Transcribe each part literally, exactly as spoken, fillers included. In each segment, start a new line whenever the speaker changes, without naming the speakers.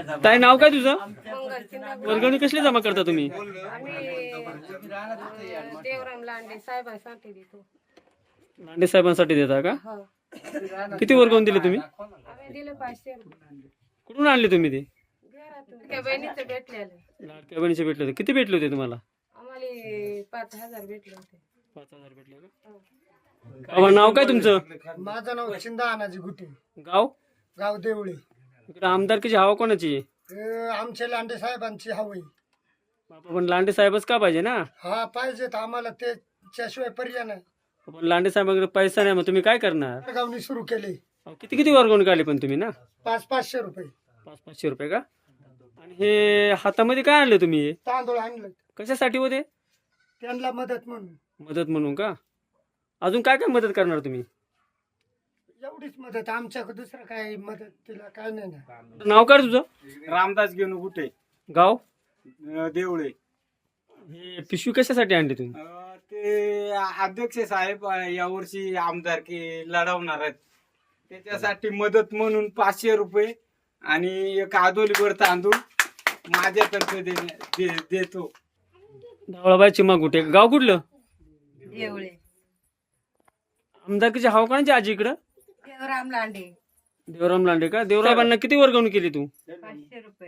ताई नाव काय तुझं?
मंगल चिंतामणी.
वर्गणी कसली जमा करता तुम्ही?
आम्ही देवराम लांडे साहेबांसाठी देतो.
लांडे साहेबांसाठी देता का?
हो.
किती वर्गवून दिले तुम्ही?
आम्ही दिले पाचशे रुपये.
कुठून आणले तुम्ही ते?
घरातून त्या बहिणीचं भेटलेलं.
लाडक्या बहिणीचे भेटले होते. किती भेटले होते तुम्हाला?
आम्हाला पाच हजार भेटले होते.
पाच हजार भेटले का? बाबा नाव काय तुमचं?
माझं नाव चिंदा अनाजी गुटे,
गाव?
गाव देवळे.
इकडे आमदारकीची हवा कोणाची आहे?
हे आमचे लांडे साहेबांची हवी.
बाबा पण लांडे साहेबच का पाहिजे ना?
हा पाहिजेत आम्हाला, त्याच्याशिवाय पर्याय नाही.
पण लांडे साहेबांकडे पैसा नाही, मग तुम्ही काय करणार?
गावनी सुरू केले.
अहो, किती किती वर्गवून काढले पण तुम्ही ना?
पाच पाचशे रुपये
पाच पाचशे रुपये का? आणि हे हातामध्ये काय आणले तुम्ही?
तांदूळ आणले
कशासाठी होते?
त्यांना मदत म्हणून.
मदत म्हणून का? अजून काय काय मदत करणार तुम्ही?
एवढीच मदत, आमच्याकडे दुसरं काय मदत तिला काय नाही ना.
नाव काय तुझं?
रामदास घेऊन कुठे
गाव?
देवळे.
हे पिशवी कशासाठी आणली तुम्ही?
अं, ते अध्यक्ष साहेब अं, यावर्षी आमदारकी लढवणार आहेत, त्याच्यासाठी मदत म्हणून पाचशे रुपये आणि एक आदोलीवर तांदूळ माझ्यातर्फे देण्या- दे- देतो.
धावळाबाई चिमा कुठे? गाव कुठलं?
देवळे.
आमदारकीची हवा कोणाची आजी इकडं?
देवराम लांडे.
देवराम लांडे का? देवराबांना किती वर्गवून केली तू?
पाचशे रुपये.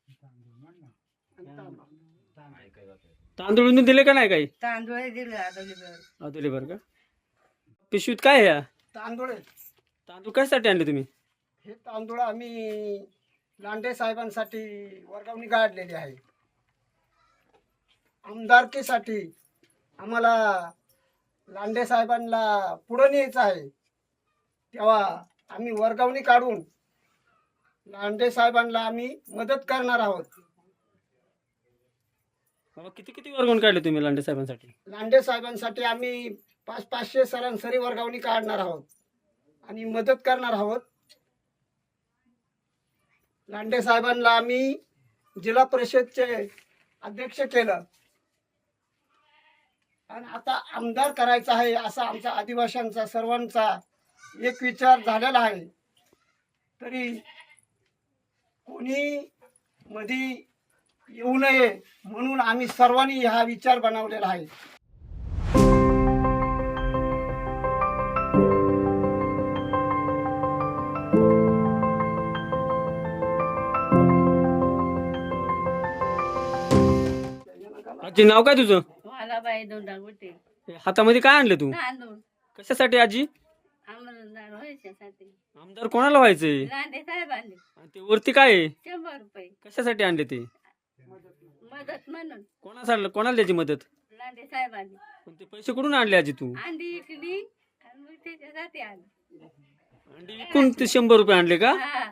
तांदूळ दिले का नाही काही?
तांदूळ दिले आदोलीवर.
अदुले बर का? पिशवीत काय आहे या?
तांदूळ आहेत.
तांदूळ कशासाठी आणले तुम्ही?
हे तांदूळ आम्ही लांडे साहेबांसाठी वर्गावणी काढलेली आहे. आमदारकीसाठी आम्हाला लांडे साहेबांना पुढं न्यायचं आहे, तेव्हा आम्ही वर्गावणी काढून लांडे साहेबांना आम्ही मदत करणार आहोत.
बाबा किती किती वर्गवून काढले तुम्ही लांडे साहेबांसाठी?
लांडे साहेबांसाठी आम्ही पाच पाचशे सरासरी वर्गावणी काढणार आहोत आणि मदत करणार आहोत. लांडे साहेबांना आम्ही जिल्हा परिषदचे अध्यक्ष केलं आणि आता आमदार करायचा आहे असा आमचा आदिवासींचा सर्वांचा एक विचार झालेला आहे. तरी कोणी मध्ये येऊ नये म्हणून आम्ही सर्वांनी हा विचार बनवलेला आहे.
आजी नाव काय तुझं?
मला बाई दोंडा गुटे.
हे हातामध्ये काय आणलं तू?
तांदूळ
कशासाठी आजी?
आमदार व्हायच्यासाठी.
आमदार कोणाला व्हायचंय?
लांडे साहेबांनी
आणि ते वरती काय आहे?
शंभर रुपये
कशासाठी आणले ते?
मदत म्हणून.
कोणासाठी? कोणाला द्यायची मदत?
लांडे साहेबांनी
पण ते पैसे कुठून आणले आजी तू?
अंडी इकली आणि मग त्याच्यासाठी आली.
अंडी विकून ते शंभर रुपये आणले का?
हा.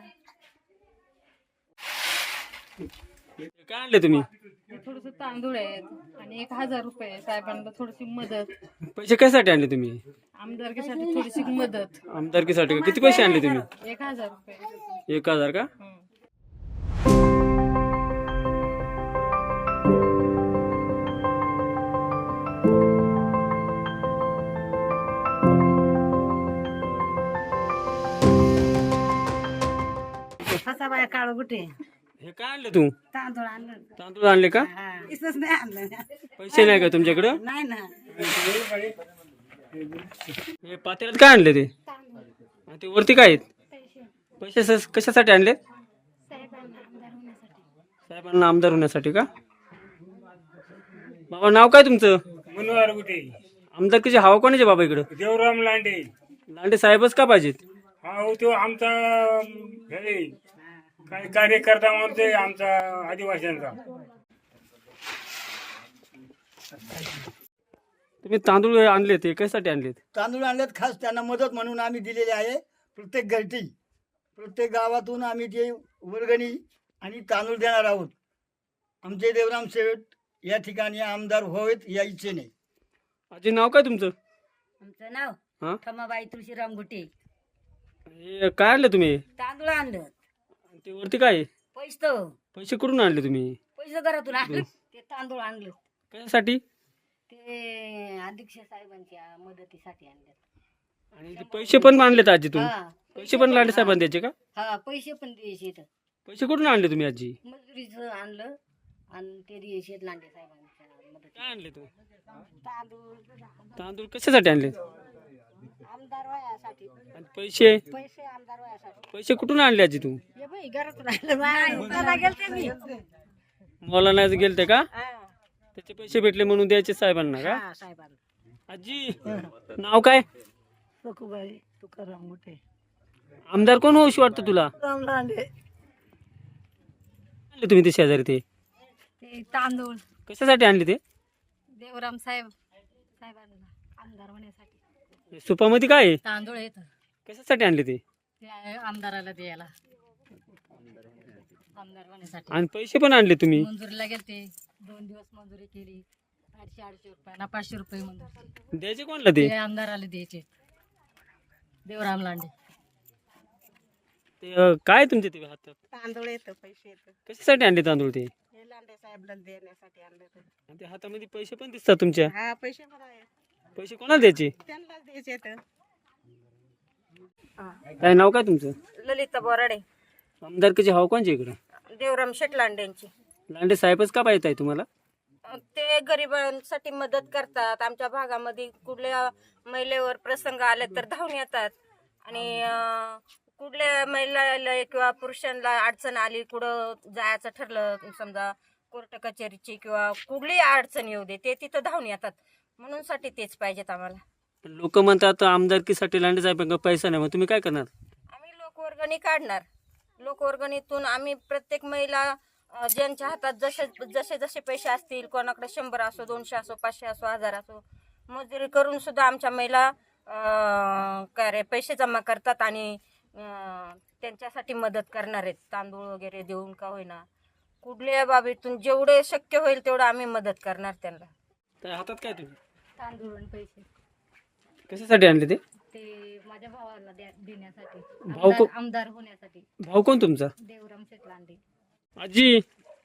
हे काय आणले तुम्ही?
थोडस तांदूळ आहेत आणि एक हजार रुपये साहेबांना थोडीशी मदत.
पैसे कशासाठी आणले तुम्ही?
आमदारकीसाठी थोडीशी मदत.
आमदारकीसाठी का? किती पैसे आणले तुम्ही?
एक हजार रुपये.
एक हजार का?
हं.
फसाबाई काळ गुटे.
हे काय आणले तू?
तांदूळ आणलं.
तांदूळ आणले का?
इसच नाही आणलं.
पैसे नाही का तुमच्याकडं?
नाही ना.
हे पातेल्यात काय आणले ते? आणि ते वरती काय आहेत? पैसे स- कशासाठी आणले? साहेबांना आमदार होण्यासाठी का? बाबा नाव काय तुमचं?
मनोहर गुटे.
आमदारकीची हवा कोणाची बाबा इकडं?
देवराम लांडे.
लांडे साहेबच का पाहिजेत?
हा हो, तो आमचा हे काय कार्यकर्ता म्हणते आमचा आदिवासींचा.
तुम्ही तांदूळ आणले ते कशासाठी आणलेत?
तांदूळ आणलेत खास त्यांना मदत म्हणून आम्ही दिलेले आहे. प्रत्येक घरटी प्रत्येक गावातून आम्ही ते वर्गणी आणि तांदूळ देणार आहोत. आमचे देवराम शेठ या ठिकाणी आमदार व्हावेत या इच्छेने.
आजी नाव काय तुमचं?
आमचं नाव
हा?
खमाबाई तुळशीराम गुटे.
हे काय आणलं तुम्ही?
तांदूळ आणलं.
आणि ते वरती काय आहे?
पैसे
पैसे कुठून आणले तुम्ही?
पैसे घरातून आणलं. ते तांदूळ आणलं.
कशासाठी?
ते अध्यक्ष साहेबांच्या मदतीसाठी आणलं.
आणि ते पैसे पण आणलेत आजी तुम्ही?
हा
पैसे पण लांडे साहेबांना द्यायचे का?
हा पैसे पण द्यायचे इथं.
पैसे कुठून आणले तुम्ही आजी?
मजुरीचं आणलं आणि ते दिवशी लांडे साहेबांच्या मदत
काय आणले तू?
तांदूळ
तांदूळ कशासाठी आणले?
आमदार वयासाठी
आणि पैसे
पैसे आमदार वयासाठी
पैसे कुठून आणले आजी तू?
हे बाई घरात राहिलं बाय त्याला गेलते मी
मला नाही गेलते का?
हा
त्याचे पैसे भेटले म्हणून द्यायचे साहेबांना का?
हा, साहेबांना
आजी नाव काय?
सखूबाई तुकाराम मोठे
आमदार कोण होऊशी वाटतं तुला?
राम लांडे
आणले तुम्ही ते शेजारी ते
ते तांदूळ
कशासाठी आणले ते?
देवराम साहेब साहेबांना आमदार होण्यासाठी
सुपामध्ये काय आहे?
तांदूळ येत
कशासाठी आणले ते?
ते आहे आमदाराला द्यायला आमदार होण्यासाठी
आणि पैसे पण आणले तुम्ही?
मंजुरीला गेलते दोन दिवस मंजुरी केली आठशे आठशे रुपये ना पाचशे रुपये मंजूर
द्यायचे कोणला ते?
ते आमदाराला द्यायचे देवराम लांडे
ते अं, काय तुमचे ते हातात
तांदूळ येतं पैसे येतं
कशासाठी आणले तांदूळ ते?
हे लांडे साहेबला देण्यासाठी आणलं होतं.
आणि ते हातामध्ये पैसे पण दिसतात तुमच्या.
हा पैसे पण आहे
पैसे कोणाला द्यायचे?
त्यांनाच द्यायचे येतं.
काय नाव काय तुमचं?
ललिता बोराडे
आमदारकीचे हाव कोणचे इकडं?
देवराम शेट लांडेंची
लांडे साहेबच का पाहिजे आहे तुम्हाला?
ते गरिबांसाठी मदत करतात आमच्या भागामध्ये कुठल्या महिलेवर प्रसंग आले तर धावून येतात आणि अं, कुठल्या महिलाला किंवा पुरुषांना अडचण आली कुठं जायचं ठरलं समजा कोर्ट कचेरीची किंवा कुठलीही अडचण येऊ दे ते तिथं धावून येतात म्हणून साठी तेच पाहिजेत आम्हाला.
लोक म्हणतात आमदारकीसाठी लांडे साहेबांना पैसा नाही, मग तुम्ही काय करणार?
आम्ही लोकवर्गणी काढणार लोकवर्गणीतून आम्ही प्रत्येक महिला अ, ज्यांच्या हातात जसे जसे जसे पैसे असतील कोणाकडे शंभर असो दोनशे असो पाचशे असो हजार असो मजुरी करून सुद्धा आमच्या महिला अ, काय रे पैसे जमा करतात आणि अ, त्यांच्यासाठी मदत करणार आहेत तांदूळ वगैरे देऊन का होईना कुठल्या बाबीतून जेवढे शक्य होईल तेवढं आम्ही मदत करणार त्यांना.
त्या हातात काय तुम्ही
तांदूळ आणि पैसे
कशासाठी आणले ते?
ते माझ्या भावाला देण्यासाठी
भाऊ को-
आमदार होण्यासाठी
भाऊ कोण तुमचा?
देवराम शेट लांडे.
आजी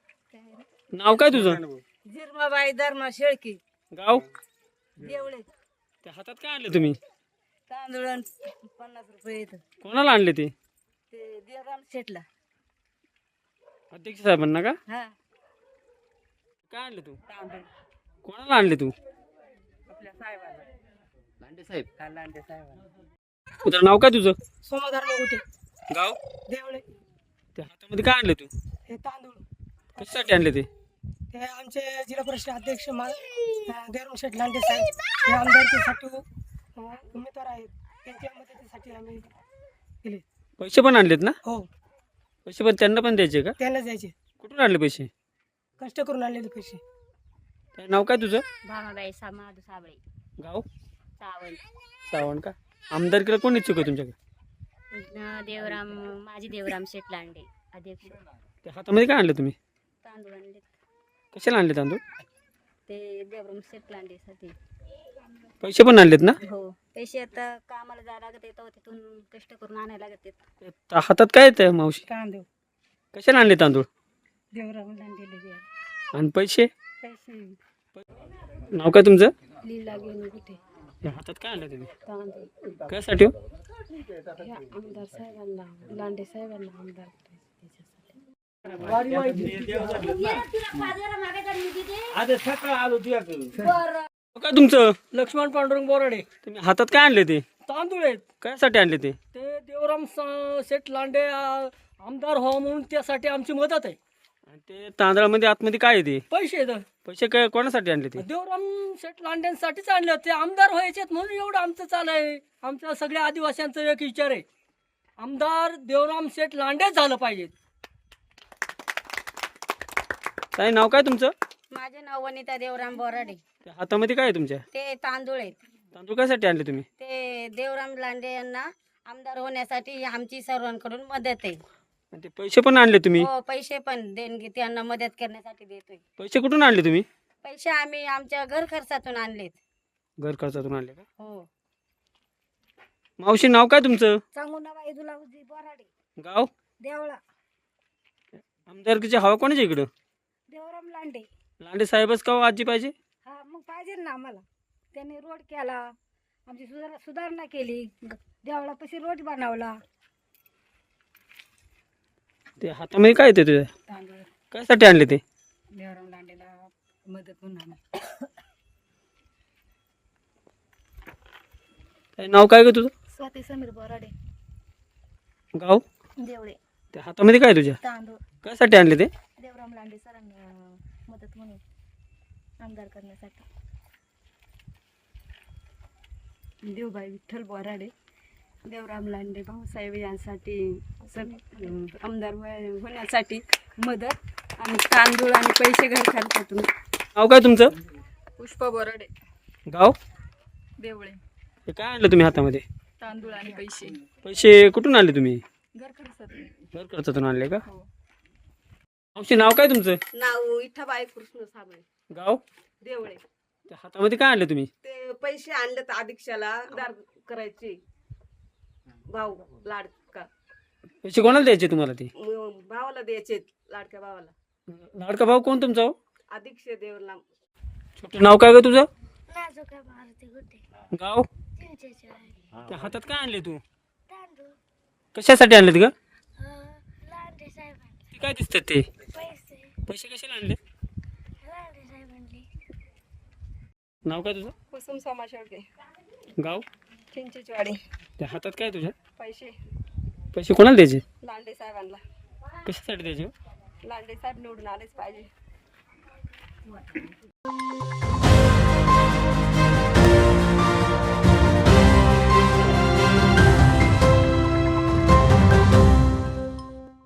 नाव काय तुझं?
झिरमाबाई धर्मा शेळकी
गाव?
देवळे
त्या हातात काय आणले तुम्ही?
तांदूळ पन्नास रुपये येतं
कोणाला आणले ते?
ते देवराम शेटला.
अध्यक्ष साहेबांना का?
हा
काय आणले तू?
तांदूळ
कोणाला आणले तू?
आपल्या साहेबाला
लांडे साहेब.
हा लांडे साहेबाला.
तुझं नाव काय तुझं?
सोमाधार मोठे
गाव?
देवळे
त्या हातामध्ये काय आणले तू?
हे तांदूळ
कशासाठी आणले ते?
हे आमचे जिल्हा परिषद अध्यक्ष मा देवराम शेठ लांडे साहेब हे आमदारकीसाठी अ, उमेदवार आहेत त्यांच्या मदतीसाठी आम्ही दिले.
पैसे पण आणलेत ना?
हो
पैसे पण त्यांना पण द्यायचे का?
त्यांना द्यायचे
कुठून आणले पैसे?
कष्ट करून आणलेले पैसे.
काय नाव काय तुझं?
भामाबाई सामाधू साबळे
गाव?
सावंत.
सावण का? आमदारकीला कोण इच्छुक आहे तुमच्याकडे?
देवराम माझी देवराम शेट लांडे अध्यक्ष.
त्या हातामध्ये काय आणलं तुम्ही?
तांदूळ आणले
कशाला आणले तांदूळ?
ते देवराम शेट लांडेसाठी.
पैसे पण आणलेत ना?
हो पैसे आता कामाला जायला लागत येतं तिथून कष्ट करून आणायला लागत येत.
त्या हातात काय येतं मावशी?
तांदूळ
कशाला आणले तांदूळ?
देवराम लांडेले द्या
आणि पैसे?
पैसे
नाव काय तुमचं?
लीला घेऊन कुठे
त्या हातात काय आणलं तुम्ही?
तांदूळ
कशासाठी हो?
हे आमदार साहेबांना लांडे साहेबांना आमदार
नाव काय तुमचं?
लक्ष्मण पांडुरंग बोराडे.
तुम्ही हातात काय आणले ते?
तांदूळ आहेत
कशासाठी आणले ते?
ते देवराम स- शेठ लांडे अ, आमदार व्हावं म्हणून त्यासाठी आमची मदत आहे.
आणि ते तांदळामध्ये आतमध्ये काय आहे ते?
पैसे आहेत.
पैसे काय कोणासाठी आणले ते?
देवराम शेठ लांडेंसाठीच आणले ते आमदार व्हायचे म्हणून एवढं आमचं चालू आहे. आमच्या सगळ्या आदिवासींचा एक विचार आहे आमदार देवराम शेठ लांडेच झालं पाहिजे.
काय नाव काय तुमचं?
माझे नाव वनिता देवराम बोराडे.
त्या हातामध्ये काय आहे तुमच्या?
ते तांदूळ आहेत
तांदूळ कशासाठी आणले तुम्ही?
ते देवराम लांडे यांना आमदार होण्यासाठी आमची सर्वांकडून मदत आहे.
आणि ते पैसे पण आणले तुम्ही?
हो पैसे पण देणगी त्यांना मदत करण्यासाठी देतोय.
पैसे कुठून आणले तुम्ही?
पैसे आम्ही आमच्या घर खर्चातून आणलेत.
घर खर्चातून आणले का?
हो
मावशी नाव काय तुमचं?
चांगुणाबाई दुलावजी बोराडे.
गाव?
देवळा.
आमदारकीचे हवा कोणाच्या इकडं?
देवराम लांडे.
लांडे साहेबच का हो आजी पाहिजे?
हा मग पाहिजे ना आम्हाला. त्यांनी रोड केला आमची सुधार सुधारणा केली देवळापाशी रोड बनवला.
ते हातामध्ये काय येते तुझ्या
तांदूळ
कशासाठी आणले ते
देवराम लांडेला मदत म्हणून आम्ही.
काय नाव काय ग तुझं
स्वाती समीर बोराडे
गाव
देवळे
ते हातामध्ये काय तुझ्या
तांदूळ
कशासाठी आणले ते
देवराम लांडे सरांना मदत म्हणून आमदार करण्यासाठी.
देवबाई विठ्ठल बोराडे देवराम लांडे भाऊसाहेब यांसाठी सग आमदार व्हाय- होण्यासाठी मदत आणि तांदूळ आणि पैसे घर खर्चातून.
नाव काय तुमचं
पुष्पा बोराडे
गाव
देवळे
हे काय आणलं तुम्ही हातामध्ये
तांदूळ आणि पैसे
पैसे कुठून आणले तुम्ही
घर खर्चातून.
घर खर्चातून आणले का
हो.
मावशी नाव काय तुमचं
नाव विठाबाई कृष्ण साबळे
गाव
देवळे.
त्या हातामध्ये काय आणले तुम्ही
ते पैसे आणले तर अधीक्षाला दार करायचे भाऊ लाडका
पैसे कोणाला द्यायचे तुम्हाला ते
म- भावाला द्यायचे लाडक्या भावाला.
लाडका भाऊ कोण तुमचा हो?
अधीक्ष देवला
छोटं नाव काय ग तुझं
नाजुका भारती गुटे
गाव
चिंचेचे
त्या हातात काय आणले तू
तांदूळ
कशासाठी आणलेत ग
लांडे साहेबांनी
ते काय दिसतात ते
पैसे
पैसे कशाला आणले
लांडे साहेबांनी.
नाव काय तुझं
कुसुम सोमा शेळके
गाव
चिंचेचवाडी.
त्या हातात काय तुझ्या
पैसे
पैसे कोणाला द्यायचे
लांडे साहेबांना.
कशासाठी द्यायचे
लांडे साहेब निवडून आलेच पाहिजे.